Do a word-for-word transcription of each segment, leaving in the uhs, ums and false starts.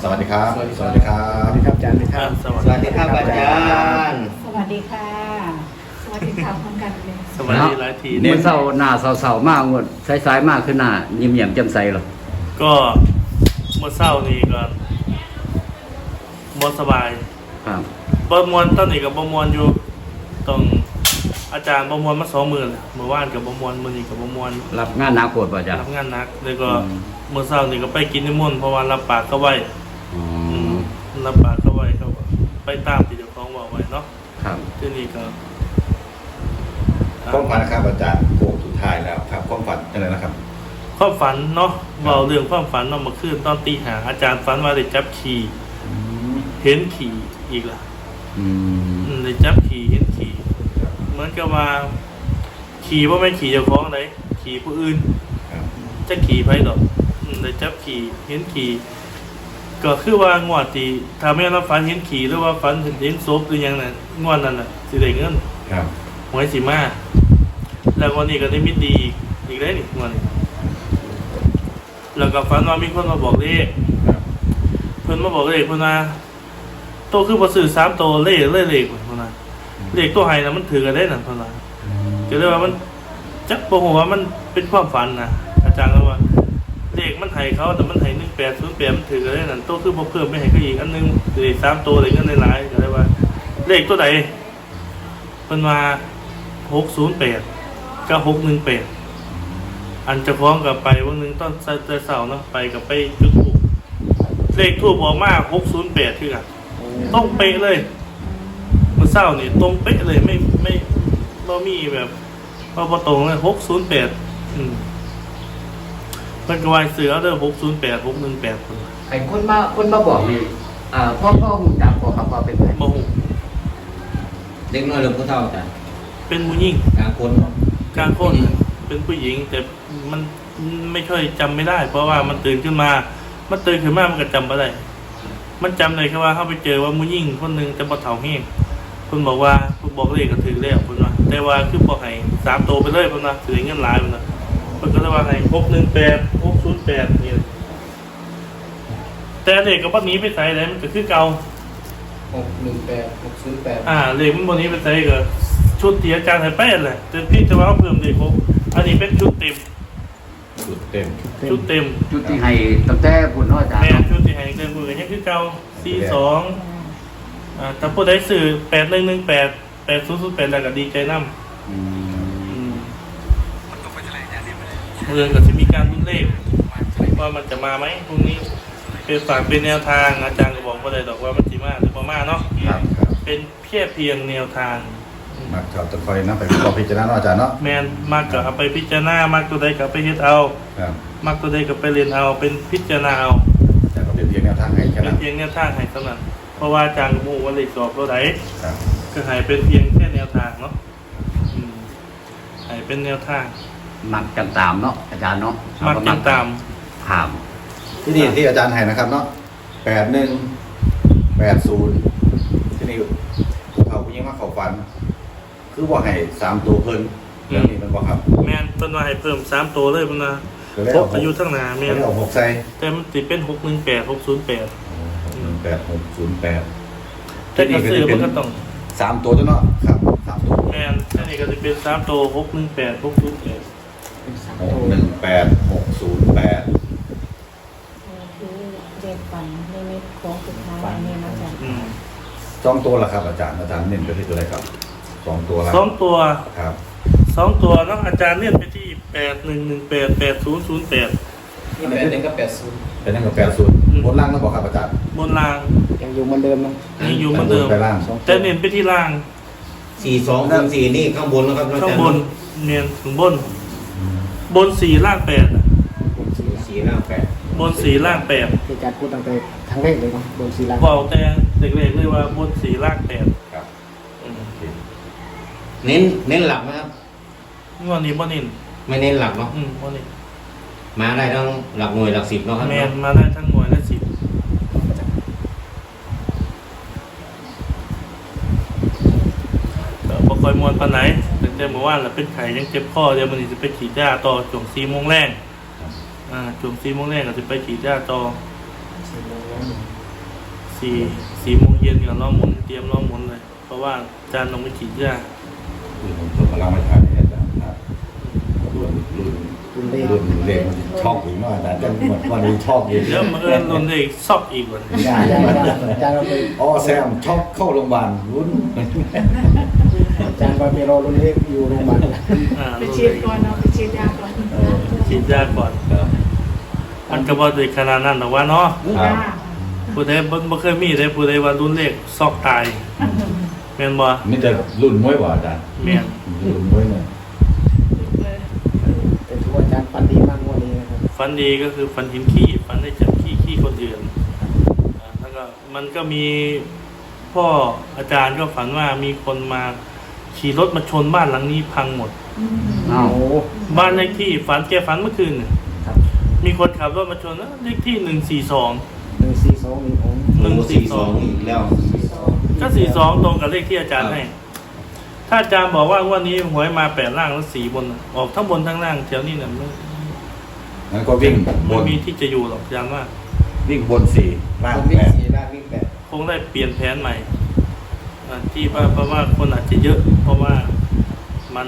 วัสดีครับสวัสดีครับสวัสดีครับอาจารย์ครับสวัสดีครับอาจารย์สวัสดีค่ะ สวัสดีค่ะพร้อมกันเลยสวัสดีหลายทีเมื่อเศร้าหน้าเศร้าๆมากงวดสายๆมากขึ้นหน้ายิ้มแย้มแจ่มใสหรอก็เมื่อเศร้านี่ก็มวนสบายครับบมวนตอนนี้กับบมวนอยู่ต้องอาจารย์บมวนมาสองหมื่นเมื่อวานกับบมวนมื่อนี้กับบมวนรับงานหนักโคตรป่ะจ๊ะรับงานหนักแล้วก็เมื่อเศร้านี่ก็ไปกินนิมนต์เพราะว่ารับปากเขาไว้อ๋อรับปากเขาไว้เขาก็ไปตามที่เจ้าของบอกไว้เนาะครับที่นี่ก็ความฝันนะครับอาจารย์โค้งสุดท้ายแล้วครับความฝันอะไรนะครับความฝันเนาะเราเรื่องความฝันเนาะเมื่อคืนตอนตีหาอาจารย์ฝันว่าได้จับขี่เห็นขี่อีกล่ะอืมอืมได้จับขี่เห็นขี่เหมือนกับว่าขี่ว่าไม่นขี่เจ้าของเลยขี่ผู้อื่นครับจะขี่ไปดอกอืมได้จับขี่เห็นขี่ก็คือว่างวดที่ถ้าไม่เราฝันเห็นขี่หรือว่าฝันเห็นศพหรือยังนั่นงวดนั้นน่ะสิได้เงินครับหวยสีมาแล้ววันนี้ก็ได้มิตรดีอีกได้นี่งวดนี้แล้วก็ฝันว่ามีคนมาบอกเลขครับเพิ่นมาบอกเลขเพิ่นว่าโตคือบ่ซื้อสามโตเลขเลขเลขเพิ่นว่าเลขตัวไห้น่ะมันถือกันได้นั่นเพิ่นว่าก็เลยว่ามันจักบ่ฮู้ว่ามันเป็นความฝันนะอาจารย์ก็ว่าเลขมันให้เขาแต่มันให้หนึ่งแปดศูนย์แปดมันถือกันได้นั่นโตคือบ่เพิ่มไปให้เขาอีกอันนึงเลขสามโตเลขเงินหลายๆก็เลยว่า เลขตัวใดเพิ่นว่าหกศูนย์แปดกับหกหนึ่งแปดอันจะพร้อมกับไปวันหนึ่งตอนเสาร์เนาะไปกับไปจุดทูบเลขทูบออกมาหกศูนย์แปดคือกันต้องเป๊ะเลยเมื่อเสาร์นี่ตรงเป๊ะเลยไม่ไม่เรามีแบบเราพอตรงเลยหกศูนย์แปดอืมมันก็วายเสือเด้อหกศูนย์แปดหกหนึ่งแปดคนไอ้คนมาคนมาบอกนี่อ่าพ่อพ่อหุ่นจักพ่อครับพ่อเป็นไงโมโหเด็กน้อยหรือผู้เฒ่าจ้ะเป็นผู้หญิงกลางคนกลางคนเป็นผู้หญิงแต่มันไม่ค่อยจำไม่ได้ เพราะว่ามันตื่นขึ้นมา มันตื่นขึ้นมามันก็จำไม่ได้ มันจำเลยแค่ว่าเขาไปเจอว่าผู้หญิงคนหนึ่งจะมาเถาแห้งคุณบอกว่าคุณบอกเลขก็ถือแล้วคุณว่าแต่ว่าคือบอกให้สามโตไปเลยคุณว่าถือเงินหลายคุณว่ามันก็เลยว่าให้หกหนึ่งแปดหกศูนย์แปดนี่แต่เลขกับวันนี้ไปใส่เลยมันก็คือเก่าหกหนึ่งแปดหกศูนย์แปดอ่าเลขมันวันนี้ไปใส่ก็ชุดที่อาจารย์ให้แป้นแหละแต่พี่จะว่าเพิ่มเลขหกอันนี้เป็นชุดเต็มสุดเต็มชุดเต็มจุดที่ให้ตั้งแต่พุ่นเนาะอาจารย์แม่เนาะชุดที่ให้เดินมือยังคือเก่าสี่สองอ่าแต่ผู้ใดสื่อแปดหนึ่งหนึ่งแปดแปดศูนย์ศูนย์แปดแล้วก็ดีใจน้ำอืมเมืองก็จะมีการรุ่นเลขว่ามันจะมาไหมพรุ่งนี้เป็นฝากเป็นแนวทางอาจารย์ก็บอกว่าเลยดอกว่ามันจะมาหรือประมาเนาะครับครับเป็นเพียงเพียงแนวทางมาชอบตะคอยนะไปขอพิจารณาเนาะอาจารย์เนาะแมนมากก็เอาไปพิจารณามากตัวใดก็ไปเฮ็ดเอาครับมากตัวใดก็ไปเรียนเอาเป็นพิจารณาเอาอาจารย์ก็เป็นเพียงแนวทางให้แค่เป็นั้น นเพียงแนวทางให้เท่านั้นเพราะว่าอาจารย์ก็บอกว่าเลขสอบตัวใดครับก็ให้เป็นเพียงแค่แนวทางเนาะอืมให้เป็นแนวทางมักกันตามเนาะอาจารย์เนาะมักติดตามถามที่นี่ที่อาจารย์ให้นะครับเนาะแปดหนึ่งแปดศูนย์ที่นี่ผู้เฒ่าผู้หญิงมาเข้าฝัน คือว่าให้สามตัวเพิ่นเรื่องนี้มันบ่ครับแม่นเพิ่นว่าให้เพิ่มสามตัวเลยเพิ่นว่าก็เลยครบเอาอายุทั้งหน้าก็แม่เลนยเอาหกใส่แต่มันสิเป็นหกหนึ่งแปด หกศูนย์แปดหนึ่งแปดหกศูนย์แปดแต่ก็ซื้อมันก็ต้องสามตัวตัวเนาะครับสามตัวแม่นอันนี้ก็สิเป็นสามตัวหกหนึ่งแปด หกศูนย์แปดหกหนึ่งแปดหกศูนย์แปดนี่คือเด็กฝันนิมิตของสุดท้ายอันนี้นะจ๊ะอืมสองตัวละครับอาจารย์อาจารย์เน้นไปที่ตัวอะไรครับสองตัวละสองตัวครับสองตัวเนาะอาจารย์เน้นไปที่แปดหนึ่งหนึ่งแปด แปดศูนย์ศูนย์แปดนี่แปดหนึ่งกับแปดศูนย์เป็นนั่งกับแปดศูนย์บนล่างแล้วบอกครับอาจารย์บนรางยังอยู่เหมือนเดิมเนาะยังอยู่เหมือนเดิมไปล่างแต่เน้นไปที่ล่างสี่สองคูณสี่นี่ข้างบนนะครับข้างบนเน้นถึงบน บนสี่ล่างแปดสี่หน้าแปดบนสี่ล่างแปดที่การพูดตั้งแต่ครั้งแรกเลยเนาะโดนสีลังบอกแต่เด็กๆเลยว่าบนสี่ล่างแปดครับอืมเน้นเน้นหลักนะครับงวดนี้บ่เน้นไม่เน้นหลักเนาะอืมบ่เน้นมาได้ทั้งหลักหน่วยหลักสิบเนาะครับแมนมาได้ทั้งหน่วยและสิบก็บ่ค่อยมวนปานไหนตั้งแต่เมื่อวานแล้วเป็นไข้ยังเจ็บคอเดี๋ยวมันจะไปฉีดยาต่อช่วงสี่โมงแรงอ่าช่วงสี่โมงแรงก็จะไปฉีดยาต่อสี่สี่โมงเย็นกับล้อมหมุนเตรียมล้อมหมุนเลย เพราะว่าอาจารย์ลงไปฉีดยาคือผมผมกำลังมาถ่ายเนี่ยอาจารย์ครับรุ่นรุ่นรุ่นเลขรุ่นเด็กมันชอบอีกเนาะอาจารย์จะเหมือนวันนี้ชอบอีกเดี๋ยวมาเอิญลนได้อีกซอกอีกวันยาอาจารย์มันอาจารย์เราไปอ๋อแซมชอบเข้าโรงพยาบาลรุ่นอาจารย์ไปรอรุ่นเลขอยู่โรงพยาบาลอ่าไปฉีดก่อนเนาะไปฉีดยาก่อนเออฉีดยาก่อนครับมันก็บ่ได้ขนาดนั้นหรอกว่าเนาะครับผู้ใดบ่บ่เคยมีได้ผู้ใดว่ารุ่นเลขซอกตายแม่นบ่นี่จะรุ่นมวยบ่อาจารย์แม่นรุ่นมวยเนี่ยแต่ถือว่าอาจารย์ฝันดีมากงวันนี้นะครับฝันดีก็คือฝันเห็นขี้ฝันได้จับขี้ขี้คนอื่นอ่าแล้วก็มันก็มีพ่ออาจารย์ก็ฝันว่ามีคนมาขี่รถมาชนบ้านหลังนี้พังหมดอ้าวโอ้บ้านเลขที่ฝันแกฝันเมื่อคืนน่ะครับมีคนขับรถมาชนนะเลขที่หนึ่งสี่สองหนึ่งสี่สองนี่ผมหนึ่งสี่สองอีกแล้วก็สี่สองตรงกับเลขที่อาจารย์ให้ ถ้าอาจารย์บอกว่าวันนี้หวยมาแปดล่างแล้วสี่บนน่ะออกทั้งบนทั้งล่างแถวนี้เนี่ยไม่งั้นก็วิ่งบไม่นมีที่จะอยู่หรอกอาจารย์ว่าวิ่งบนสี่ล่างผมวิ่แปงดสี่ล่างวิ่งแปดคงได้เปลี่ยนแผนใหม่อ่าที่ว่าเพราะว่าคนอาจจะเยอะ เพราะว่ามัน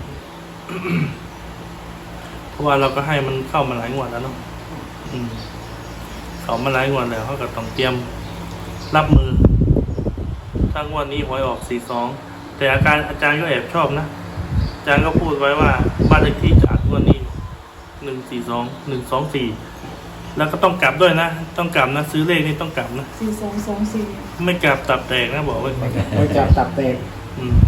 เพราะว่าเราก็ให้มันเข้ามาหลายงวดแล้วเนาะอืมเขามาหลายงวดแล้วเขาก็ต้องเตรียมรับมือถ้างวดนี้หวยออกสี่สองแต่อาการอาจารย์ก็แอบชอบนะอาจารย์ก็พูดไว้ว่าบ้านเลขที่จากงวดนี้หนึ่งสี่สองหนึ่งสองสี่แล้วก็ต้องกลับด้วยนะต้องกลับนะซื้อเลขนี่ต้องกลับนะสี่สองสองสี่ไม่กลับตับแตกนะบอกไว้ก่อนไว้จับตับแตกอืม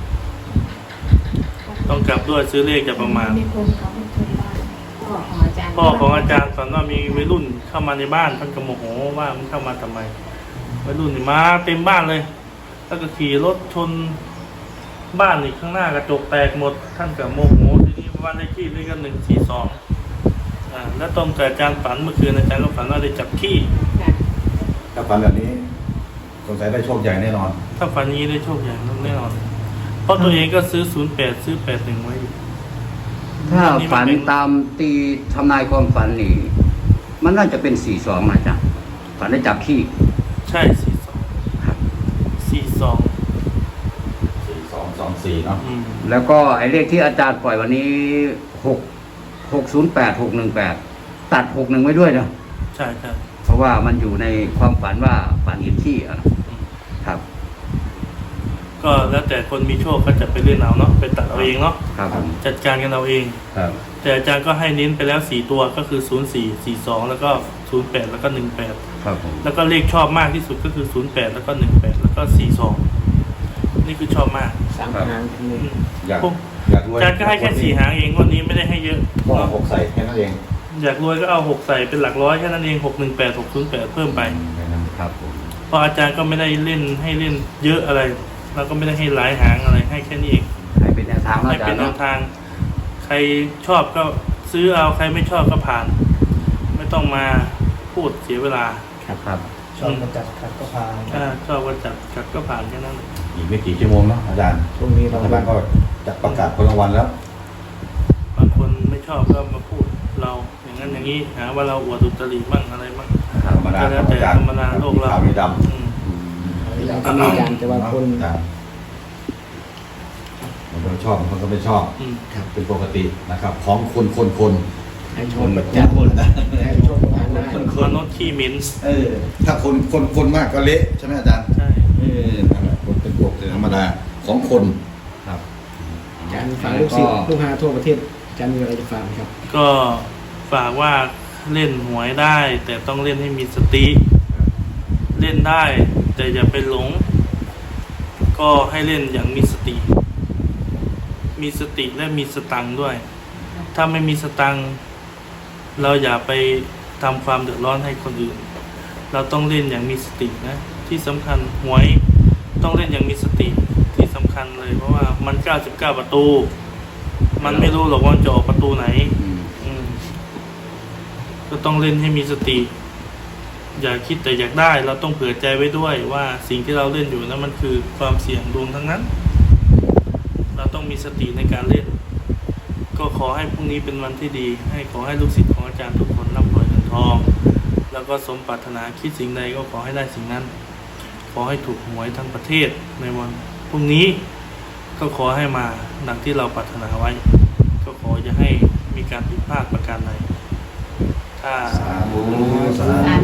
ต้องกลับด้วยซื้อเลขจะประมาณมีคนเขาไม่ชนบ้านพ่อของอาจารย์พ่อของอาจารย์ฝันว่ามีวัยรุ่นเข้ามาในบ้านท่านก็โมโหว่ามันเข้ามาทำไมวัยรุ่นนี่มาเต็มบ้านเลย แล้วก็ขี่รถชนบ้านอีกข้างหน้ากระจกแตกหมด ท่านก็โมโหทีนี้บ้านเลขที่นี่ก็หนึ่งสี่สองอ่าแล้วตรงกับอาจารย์ฝันเมื่อคืนอาจารย์ก็ฝันว่าได้จับขี้ค่ะถ้าฝันแบบนี้สงสัยได้โชคใหญ่แน่นอนถ้าฝันนี้ได้โชคใหญ่แน่นอนเพราะตัวเองก็ซื้อศูนย์แปดซื้อแปดหนึ่งไว้อยู่ถ้าฝันตามตีทำนายความฝันนี่ มันน่าจะเป็นสี่สองนะจ๊ะฝันได้จับขี้ใช่สี่สองครับสี่สองสี่สองสองสี่เนาะอืมแล้วก็ไอ้เลขที่อาจารย์ปล่อยวันนี้หกหกศูนย์แปดหกหนึ่งแปดตัดหกหนึ่งไว้ด้วยเนาะใช่ใช่เพราะว่ามันอยู่ในความฝันว่าฝันเห็นขี้อะเนาะครับก็แล้วแต่คนมีโชคก็จะไปเล่นเอาเนาะไปตัดเอาเองเนาะครับผมจัดการกันเอาเองครับแต่อาจารย์ก็ให้เน้นไปแล้วสี่ตัวก็คือศูนย์สี่สี่สองแล้วก็ศูนย์แปดแล้วก็หนึ่งแปดครับผมแล้วก็เลขชอบมากที่สุดก็คือศูนย์แปดแล้วก็หนึ่งแปดแล้วก็สี่สองนี่คือชอบมากสามหางทีอืนี้มอยากพวกอยากรวยอาจารย์ก็ให้แค่สี่หางเองวันนี้ไม่ได้ให้เยอะก็เอาหกใส่แค่นั้นเองอยากรวยก็เอาหกใส่เป็นหลักร้อยแค่นั้นเองหกหนึ่งแปดหกศูนย์แปดเพิ่มไปครับผมเพราะอาจารย์ก็ไม่ได้เล่นให้เล่นเยอะอะไรเราก็ไม่ได้ให้หลายหางอะไรให้แค่นี้เองให้เป็นแนวทางเนาะให้อาจาเป็รนย์แนเนาะวทาง ใครชอบก็ซื้อเอาใครไม่ชอบก็ผ่าน ไม่ต้องมาพูดเสียเวลาครับครับชอบกระจัดขัดก็พาถ้าชอบก็จัดจัดก็ผ่านแค่นั้นเลยอีกไม่กี่ชั่วโมงเนาะอาจารย์ช่วงนี้เรารัฐบาลก็จะประกาศผลรางวัลแล้วบางคนไม่ชอบก็มาพูดเราอย่างนั้นอย่างนี้หาว่าเราอวดอุตริบ้างอะไรบ้างธรรมดาก็แล้วครับแต่อาจารย์ธรรมดาโลกเราขาวมีดอืมเราก็มีการแต่ว่าคนำครับบางคนชอบบางคนก็ไม่ชอบอืมเป็นปกตินะครับ ของคนคนคนให้ชมแบบจัดให้ชมผ่านหน้าคนคมนนุษย์ขี้เหมินเออ ถ้าคนคนคนมากก็เละใช่ไหมอาจารย์ใช่เออนั่นแหละคนเป็นปกติธรรมดาของคนครับอาจารย์ฝากลูกศิษย์ลูกหาทั่วประเทศอาจารย์มีอะไรจะฝากไหมครับก็ฝากว่าเล่นหวยได้ แต่ต้องเล่นให้มีสติ เล่นได้ แต่อย่าไปหลง ก็ให้เล่นอย่างมีสติ มีสติและมีสตังค์ด้วย ถ้าไม่มีสตังค์เราอย่าไปทำความเดือดร้อนให้คนอื่น เราต้องเล่นอย่างมีสตินะ ที่สำคัญหวยต้องเล่นอย่างมีสติที่สำคัญเลย เพราะว่ามันเก้าสิบเก้าประตู มันไม่รู้หรอกว่าจะออกประตูไหนอืมอืมก็ต้องเล่นให้มีสติ อย่าคิดแต่อยากได้ เราต้องเผื่อใจไว้ด้วยว่าสิ่งที่เราเล่นอยู่นั้นมันคือความเสี่ยงดวงทั้งนั้น เราต้องมีสติในการเล่น ก็ขอให้พรุ่งนี้เป็นวันที่ดี ให้ขอให้ลูกศิษย์ของอาจารย์ทุกคนร่ำรวยเงินทอง แล้วก็สมปรารถนาคิดสิ่งใดก็ขอให้ได้สิ่งนั้นอให้ถูกหวยทั้งประเทศในวันพรุ่งนี้ ก็ขอให้มาดังที่เราปรารถนาไว้ ก็ขออย่าให้มีการผิดพลาดประการใดถ้าสาธุสาธุ